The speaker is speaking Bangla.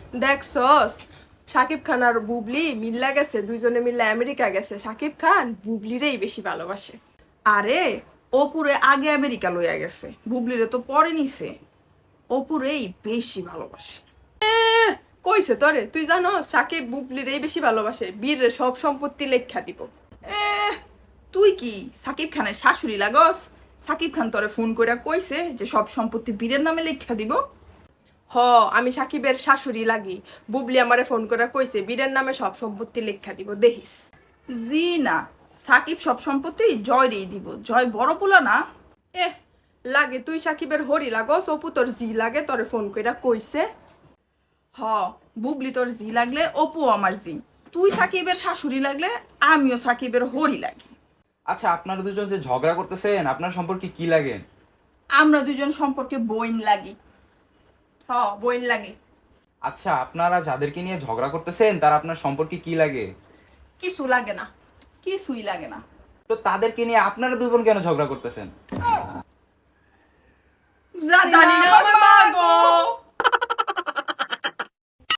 দেখছস শাকিব খান আর বুবলি মিল্লা গেছে, দুইজনে মিল্লা আমেরিকা গেছে। শাকিব খান বুবলিরেই বেশি ভালোবাসে। আরে অপুরে আগে আমেরিকা লইয়া গেছে, বুবলিরে তো পরে নিছে। অপুরেই বেশি ভালোবাসে। কইছে তোরে? তুই জানো শাকিব বুবলিরেই বেশি ভালোবাসে, বীরের সব সম্পত্তি লেখা দিব। এ তুই কি সাকিব খানের শাশুড়ি লাগস? সাকিব খান তোরে ফোন কইরা কইছে যে সব সম্পত্তি বীরের নামে লেখা দিব। হ, আমি শাকিবের শাশুড়ি লাগি। বুবলি আমারে ফোন করে কইছে বীরের নামে সব সম্পত্তি লেখা দিব, দেখিস। জি না, সাকিব সব সম্পত্তি জয়রেই দিব। জয় বড় পোলা না। এ লাগে তুই শাকিবের হরি লাগস, অপু তোর জি লাগে, তোরে ফোন কইরা কইছে। হ, বুবলি তোর জি লাগলে অপু আমার জি। তুই সাকিবের শাশুড়ি লাগলে আমিও সাকিবের হরি লাগি। আচ্ছা, আপনারা দুজন যে ঝগড়া করতেছেন আপনার সম্পর্কে কি লাগে? আমরা দুজন সম্পর্কে বইন লাগি। হ, বইন লাগে। আচ্ছা, আপনারা যাদেরকে নিয়ে ঝগড়া করতেছেন তারা আপনার সম্পর্কে কি লাগে? কিছু লাগে না। কিছুই লাগে না। তো তাদেরকে নিয়ে আপনারা দুই বোন কেন ঝগড়া করতেছেন? জানি না।